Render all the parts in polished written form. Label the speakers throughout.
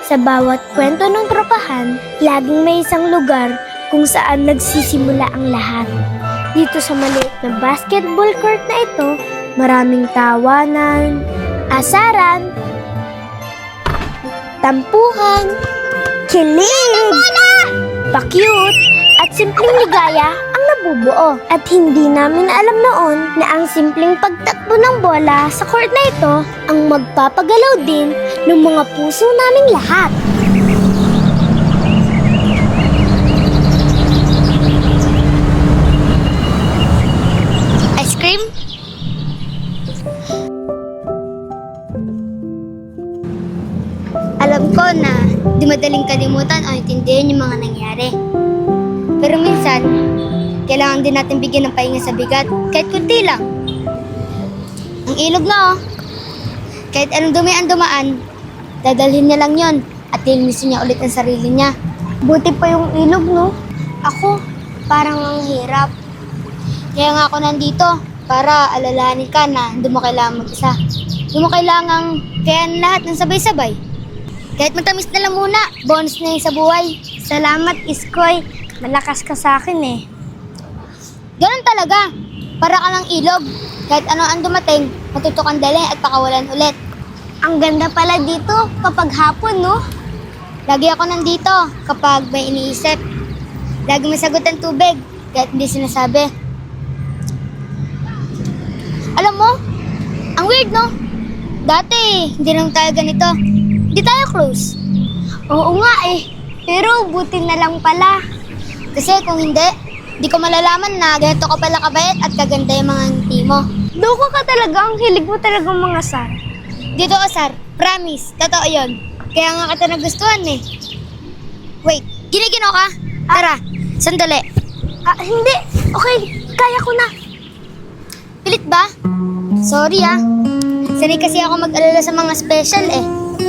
Speaker 1: Sa bawat kwento ng tropahan, laging may isang lugar kung saan nagsisimula ang lahat. Dito sa maliit na basketball court na ito, maraming tawanan, asaran, tampuhan, kilig, pa-cute, at simpleng ligaya ang nabubuo. At hindi namin alam noon na ang simpleng pagtakbo ng bola sa court na ito ang magpapagalaw din ng mga puso naming lahat.
Speaker 2: Ice cream? Alam ko na di madaling kalimutan o intindihin yung mga nangyari. Pero minsan, kailangan din natin bigyan ng pahinga sa bigat, kahit kunti lang. Ang ilog na kahit anong dumi ang dumaan, dadalhin niya lang yon at lilinisin niya ulit ang sarili niya.
Speaker 1: Buti pa yung ilog, no? Ako, parang ang hirap.
Speaker 2: Kaya nga ako nandito, para alalahanin ka na hindi mo kailangan mag-isa. Hindi mo kailangang kayanin lahat ng sabay-sabay. Kahit matamis na lang muna, bonus na yun sa buhay.
Speaker 1: Salamat, Iskoy. Malakas ka sa akin eh.
Speaker 2: Ganun talaga. Para ka lang ilog. Kahit ano ang dumating, matutukan dali at pakawalan ulit.
Speaker 1: Ang ganda pala dito kapag hapon, no?
Speaker 2: Lagi ako nandito kapag may iniisip. Lagi may sagot ang tubig, kahit hindi sinasabi. Alam mo, ang weird, no? Dati, hindi lang tayo ganito. Hindi tayo close.
Speaker 1: Oo nga eh. Pero buti na lang pala.
Speaker 2: Kasi kung hindi, di ko malalaman na ganito ka pala kabait at kaganda yung mga ngiti mo.
Speaker 1: Loko ka talaga. Ang hilig mo talagang mga sar.
Speaker 2: Dito ka, Sar. Promise. Totoo yun. Kaya nga kita nagustuhan eh. Wait, giniginaw ka? Tara, sandali.
Speaker 1: Hindi. Okay, kaya ko na.
Speaker 2: Pilit ba? Sorry Sanay kasi ako mag-alala sa mga special eh.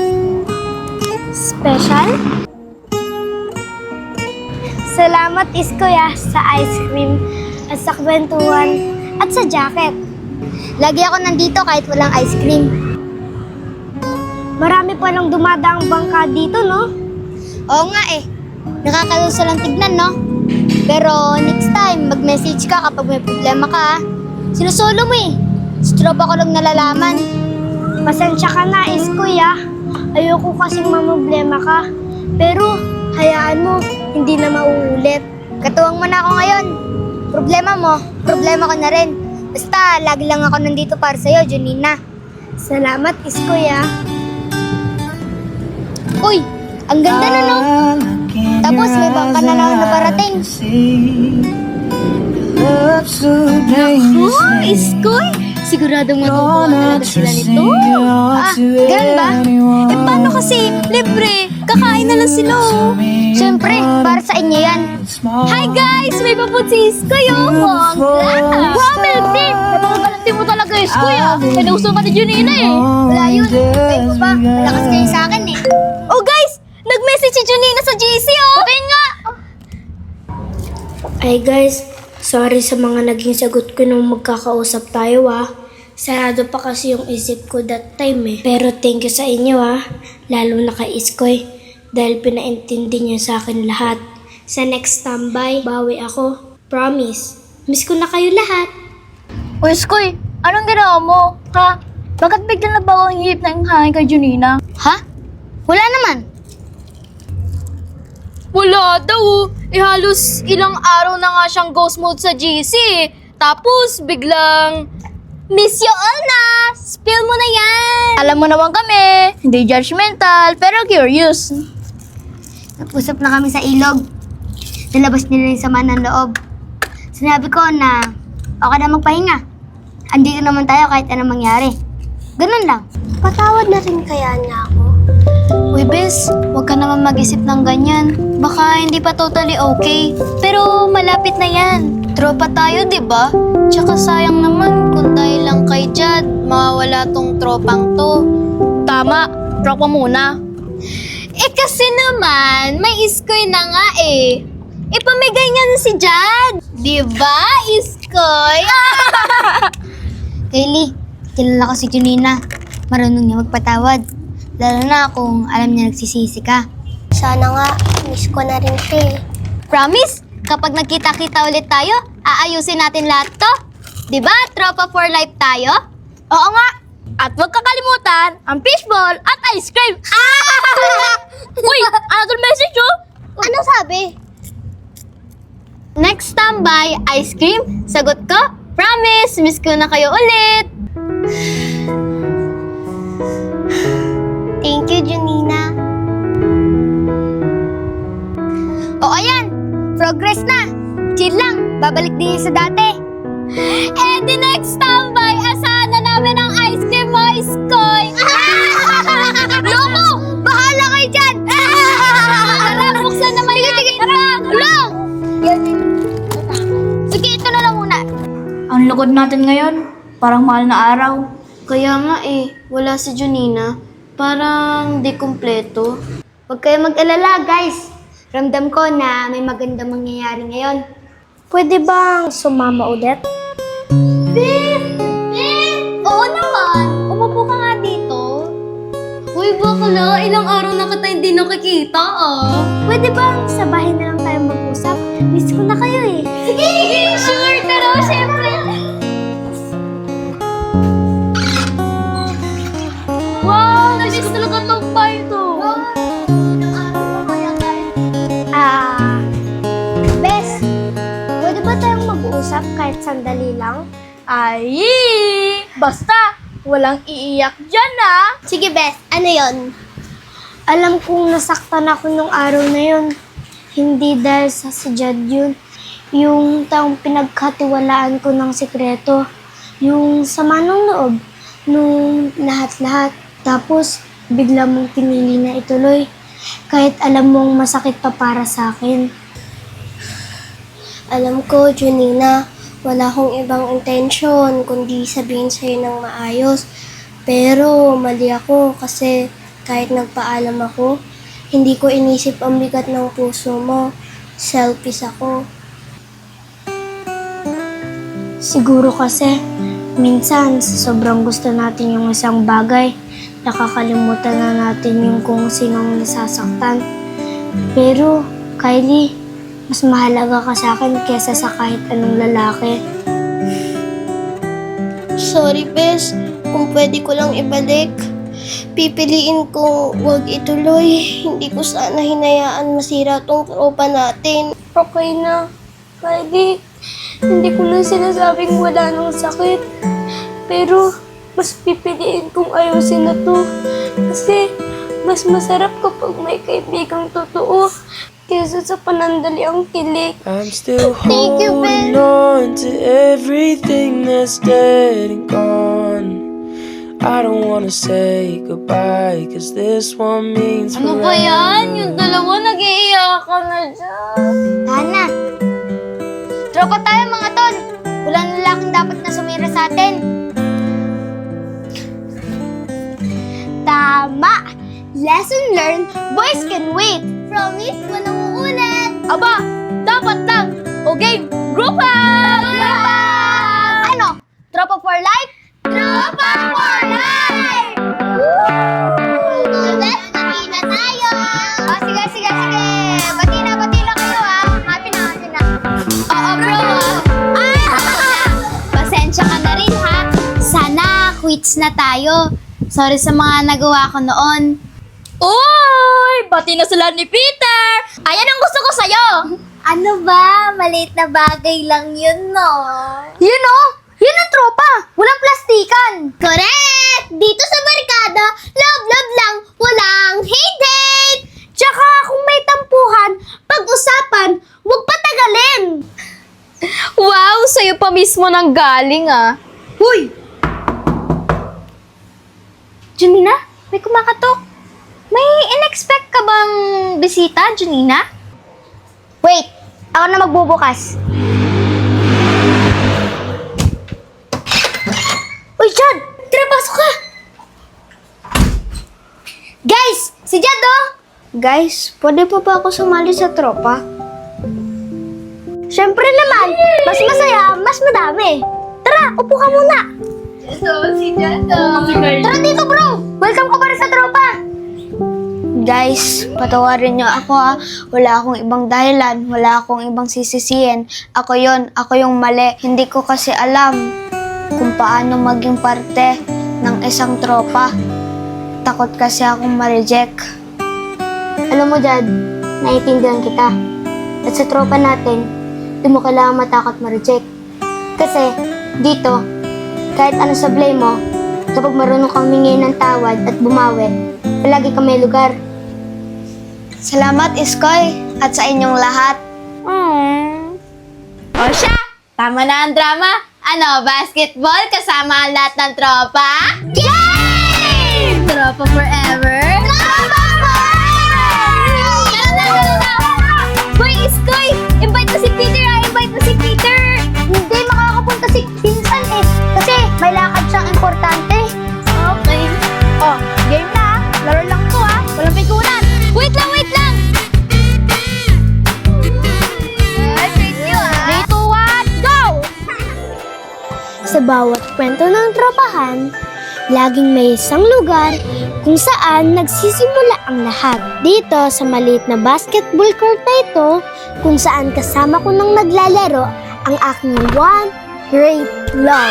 Speaker 1: Special? Salamat, Iskoy, sa ice cream at sa kwentuhan at sa jacket.
Speaker 2: Lagi ako nandito kahit walang ice cream.
Speaker 1: Marami pa lang dumadaang bangka dito, no?
Speaker 2: Oo nga eh. Nakakaluso lang tignan, no? Pero next time, mag-message ka kapag may problema ka. Sinusolo mo eh. Sa tropa ko lang nalalaman.
Speaker 1: Pasensya ka na, Iskoy, Ayoko kasing mamroblema ka. Pero, hayaan mo, hindi na mauulit.
Speaker 2: Katuwang mo na ako ngayon. Problema mo, problema ko na rin. Basta, lagi lang ako nandito para sa'yo, Junina.
Speaker 1: Salamat, Iskoy,
Speaker 2: Uy, ang ganda na, no? Tapos, may bangka na lang na parating.
Speaker 1: Iskoy! Siguradong matutuwa talaga sila nito.
Speaker 2: Ganun ba?
Speaker 1: Paano kasi? Libre! Kakain na lang sila,
Speaker 2: Siyempre, para sa inyo yan.
Speaker 1: Hi guys! May paput si Iskoy, Bongga! Wow, Melty! Napakagalante mo talaga, Iskoy, May nauso ka ni Junina,
Speaker 2: Wala yun. Kayo po ba? Malakas kayo sa akin eh.
Speaker 1: Oh guys! Nag-message si Junina sa GC,
Speaker 2: Okay nga!
Speaker 1: Ay guys, sorry sa mga naging sagot ko nung magkakausap tayo, Sarado pa kasi yung isip ko that time eh. Pero thank you sa inyo, Lalo na kay Iskoy. Dahil pinaintindi niya sa akin lahat. Sa next tambay, bawi ako. Promise. Miss ko na kayo lahat.
Speaker 3: O Iskoy, anong ginawa mo? Ha? Bakit biglang nabawa ang hihip ng hangin kay Junina?
Speaker 2: Ha? Wala naman.
Speaker 3: Wala daw. Halos ilang araw na nga siyang ghost mode sa GC. Tapos biglang, miss you all na! Spill mo na yan! Alam mo naman kami, hindi judgmental, pero curious.
Speaker 2: Nag-usap na kami sa ilog. Nalabas nila yung sama ng loob. Sinabi ko na okay na magpahinga. Andito naman tayo kahit anong mangyari. Ganun lang.
Speaker 1: Patawad na rin kaya niya ako.
Speaker 3: Uy, Bes, huwag ka naman mag-isip ng ganyan. Baka hindi pa totally okay. Pero malapit na yan. Tropa tayo, di ba? Tsaka sayang naman kung dahil lang kay Jad, mawawala tong tropang to. Tama, tropa muna. Kasi naman, may Iskoy na nga eh. Ipamigay niya na si Jad. Di ba, Iskoy?
Speaker 2: Kaylee, kilala ko si Junina. Marunong niya magpatawad. Lalo na kung alam niya nagsisisi ka.
Speaker 4: Sana nga, miss ko na rin siya eh.
Speaker 2: Promise? Kapag nagkita-kita ulit tayo, aayusin natin lahat to. Diba, tropa for life tayo? Oo nga. At huwag kakalimutan ang fishball at ice cream.
Speaker 3: Uy! Another message, oh!
Speaker 4: Ano sabi?
Speaker 2: Next tambay, ice cream. Sagot ko, promise, miss ko na kayo ulit.
Speaker 4: Thank you, Junina.
Speaker 2: O ayan, progress na. Chill lang, babalik din sa dati. Eh di next tambay, asahan na namin ang ice cream mo, Iskoy. Loko, bahala kayo dyan. Tara, buksan naman natin. Tara, tulong. Sige, ito na lang muna.
Speaker 3: Ang lugod natin ngayon. Parang mahal na araw. Kaya nga eh, wala si Junina. Parang di kumpleto.
Speaker 2: Huwag kayo mag-alala, guys. Ramdam ko na may magandang mangyayari ngayon.
Speaker 1: Pwede bang sumama ulit?
Speaker 2: Oo naman. Umupo ka nga dito.
Speaker 3: Uy, bakla, ilang araw na kita hindi nakikita ah.
Speaker 1: Pwede bang sa bahay na lang tayo mag-usap? Miss ko na kayo eh.
Speaker 2: Sige, sure. Pero syempre.
Speaker 3: Wow, namiss ko talaga tong bar to.
Speaker 1: Bes, pwede ba tayong mag-uusap kahit sandali lang?
Speaker 3: Ay! Basta, walang iiyak dyan ah.
Speaker 4: Sige, Beth. Ano yon?
Speaker 1: Alam kong nasaktan ako nung araw na yun. Hindi dahil sa si Jad yun. Yung taong pinagkatiwalaan ko ng sikreto. Yung sama ng loob. Nung lahat-lahat. Tapos, bigla mong pinili na ituloy. Kahit alam mong masakit pa para sa akin.
Speaker 4: Alam ko, Junina, wala akong ibang intensyon kundi sabihin sa'yo ng maayos. Pero mali ako kasi kahit nagpaalam ako, hindi ko inisip ang bigat ng puso mo. Selfish ako.
Speaker 1: Siguro kasi, minsan sa sobrang gusto natin yung isang bagay, nakakalimutan na natin yung kung sinong nasasaktan. Pero, Kylie, mas mahalaga ka sa akin kesa sa kahit anong lalaki.
Speaker 4: Sorry, Bes. Kung pwede ko lang ibalik, pipiliin kong huwag ituloy. Hindi ko sana hinayaan masira tong tropa natin.
Speaker 1: Okay na. Kylie, hindi ko na sinasabing wala nang sakit. Pero, mas pipiliin kong ayusin na to. Kasi, mas masarap kapag may kaibigang totoo kesa sa panandaliang kilig.
Speaker 5: I'm still
Speaker 4: Thank you,
Speaker 5: holding on to everything that's dead and gone. I don't wanna say goodbye, cause this one means
Speaker 3: Ano ba yan? Yung dalawa nag-iiyakan na dyan.
Speaker 2: Tana. Tropa tayo mga tol. Wala na lalaking dapat na sumira sa atin. Tama! Lesson learned, boys can wait. Promise, walang uulit.
Speaker 3: Aba, dapat lang. O game, group up!
Speaker 2: Ano? Tropa for life? Tropa for life! Ulit, bati na tayo! Sige. Bati na kayo Happy na. Oo, bro. Pasensya ka na rin ha. Sana quits na tayo. Sorry sa mga nagawa ko noon.
Speaker 3: Uy! Bati na sila ni Peter! Ayan ang gusto ko sa'yo!
Speaker 2: Ano ba? Maliit na bagay lang yun, no?
Speaker 3: Yun o! Yan ang tropa! Walang plastikan!
Speaker 2: Correct! Dito sa barkada, love lang, walang hate-hate! Tsaka kung may tampuhan, pag-usapan, huwag patagalin!
Speaker 3: Wow! Sa'yo pa mismo nang galing ah!
Speaker 2: Huy!
Speaker 3: Junina, may kumakatok. May in-expect ka bang bisita, Junina?
Speaker 2: Wait, ako na magbubukas. Uy, Jad! Tara, pasok ka! Guys! Si Jad, oh!
Speaker 1: Guys, pwede pa ba ako sumali sa tropa?
Speaker 2: Siyempre naman, mas masaya, mas madami. Tara, upo ka muna.
Speaker 3: So, si Jado.
Speaker 2: Tara dito, bro! Welcome ka pa rin sa tropa.
Speaker 3: Guys, patawarin niyo ako Wala akong ibang dahilan, wala akong ibang sisisihin. Ako yung mali. Hindi ko kasi alam kung paano maging parte ng isang tropa. Takot kasi akong ma-reject.
Speaker 2: Alam mo, Jad, naiintindihan kita. At sa tropa natin, di mo kailangan matakot ma-reject. Kasi, dito, kahit ano sablay mo, kapag marunong kang humingi ng tawad at bumawi, palagi ka may lugar.
Speaker 3: Salamat, Iskoy, at sa inyong lahat. O siya, tama na ang drama. Ano, basketball kasama ang lahat ng tropa? Yay! Tropa forever? Tropa forever! Hoy, Iskoy! Invite mo si Peter Invite mo si Peter!
Speaker 2: Hindi makakapunta si Pinsan kasi may lakad siyang importante.
Speaker 3: Okay.
Speaker 2: Oh, game na. Laro lang to Walang pikunan.
Speaker 3: Wait lang!
Speaker 2: 3, 2, 1, go!
Speaker 1: Sa bawat kwento ng tropahan, laging may isang lugar kung saan nagsisimula ang lahat. Dito sa maliit na basketball court na ito, kung saan kasama ko nang naglalaro ang aking one great love.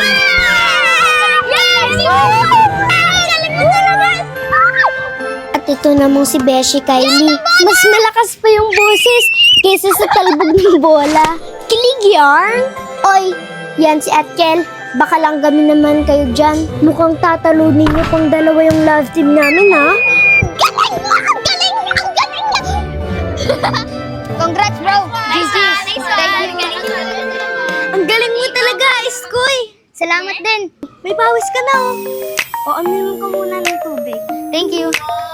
Speaker 1: At ito namang si Beshi Kylie. Mas malakas pa yung boses kaysa sa talbog ng bola. Kilig yarn! Oy, yan si Atkel. Baka lang kami naman kayo dyan. Mukhang tatalunin niyo pang dalawa yung love team namin, ha?
Speaker 2: Galing mo! Ang galing! Ang galing! Congrats, bro! GG's!
Speaker 3: Ang galing mo talaga, Iskoy!
Speaker 2: Salamat din!
Speaker 3: May pawis ka na, O, amirin ko muna ng tubig.
Speaker 2: Thank you!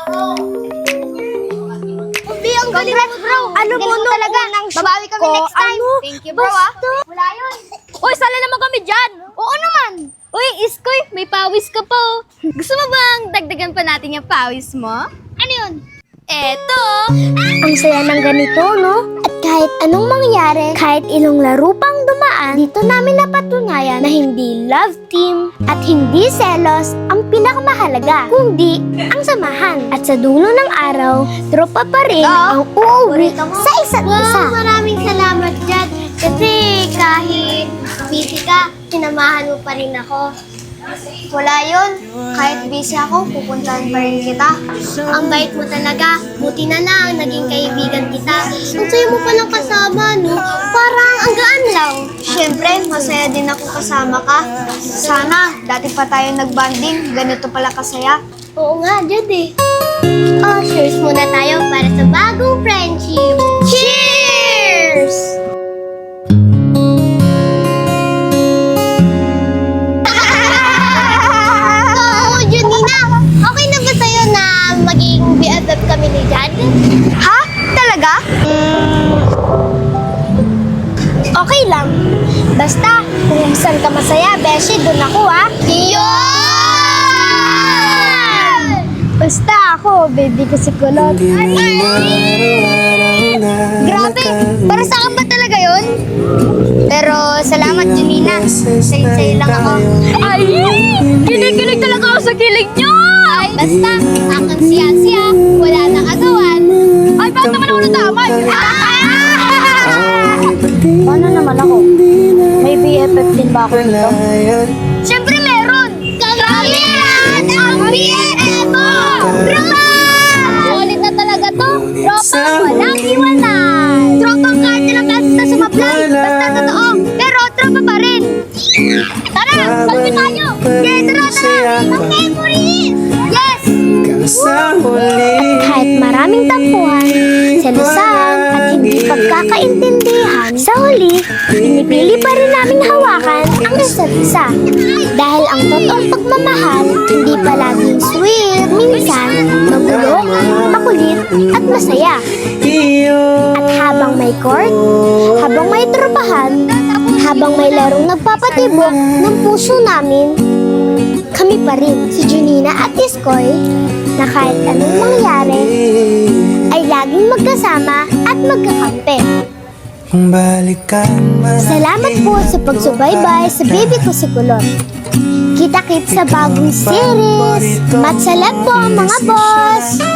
Speaker 1: Ang galing mo, bro. Ano mo nung
Speaker 2: talaga?
Speaker 1: unang shoot
Speaker 2: Babawi kami
Speaker 1: ko?
Speaker 2: next time.
Speaker 1: Ano?
Speaker 2: Thank you, bro,
Speaker 1: Basta.
Speaker 2: Wala yun.
Speaker 3: Uy, sala naman kami dyan!
Speaker 2: Oo naman.
Speaker 3: Uy, Iskoy, may pawis ka pa, Gusto mo bang dagdagan pa natin yung pawis mo?
Speaker 2: Ano yun?
Speaker 3: Eto!
Speaker 1: Ang saya ng ganito, no? At kahit anong mangyari, kahit ilang laro pang dumaan, dito namin napatunayan na hindi love team at hindi selos ang pinakamahalaga, kundi ang samahan. At sa dulo ng araw, tropa pa rin ang uuwi sa isa't isa.
Speaker 4: Maraming salamat, Jad. Kasi kahit busy ka, sinamahan mo pa rin ako.
Speaker 2: Wala yun. Kahit busy ako, pupuntahan pa rin kita.
Speaker 4: Ang bait mo talaga. Buti na lang, naging kaibigan kita. Ang sayo mo palang kasama, no? Parang ang gaan lang.
Speaker 2: Siyempre, masaya din ako kasama ka. Sana, dati pa tayo nagbanding. Ganito pala kasaya.
Speaker 4: Oo nga, Jad eh. Oh, cheers muna tayo para sa bagong friendship.
Speaker 2: Cheers!
Speaker 4: Oo, Junina. Okay na ba sa'yo na maging BFF kami ni Jad?
Speaker 2: Ha? Talaga?
Speaker 1: Okay lang. Basta, kung saan ka masaya, Beshi, dun ako, ha? Basta ako, baby ko si Kulot.
Speaker 2: Grabe! Para sa akin ba talaga yun? Pero salamat, Junina. Sa'yo lang ako.
Speaker 3: Ay! Kilig-kilig talaga ako sa kilig nyo!
Speaker 2: Basta, akan siya-siya. Wala nang agawan.
Speaker 3: Ay, bakit naman ako natamay?
Speaker 1: Paano naman ako? May BFF din ba ako nito?
Speaker 2: Siyempre meron! Kami lahat ang BFF mo! Tropa! Ulit na talaga to. Tropa, walang iwanan. Tropang kahit ilang beses na sumablay. Basta totoo. Pero tropa pa rin. Tara, salpi tayo. Yeah, tara. Ang memories! Yes!
Speaker 1: Kahit maraming tampuhan, selusan at hindi pagkakaintindihan, sa huli, pinipili pa rin namin hawakan ang isa't isa. Dahil ang totoong pagmamahal, hindi palaging sweet, minsan magulo, makulit at masaya. At habang may court, habang may tropahan, habang may larong nagpapatibok ng puso namin, kami pa rin, si Junina at Iskoy, na kahit anong mangyari, ay laging magkasama at magkakampi. Salamat po sa pagsubaybay sa baby ko si Kulot. Kita-kits sa bagong series. Matsalap po mga boss!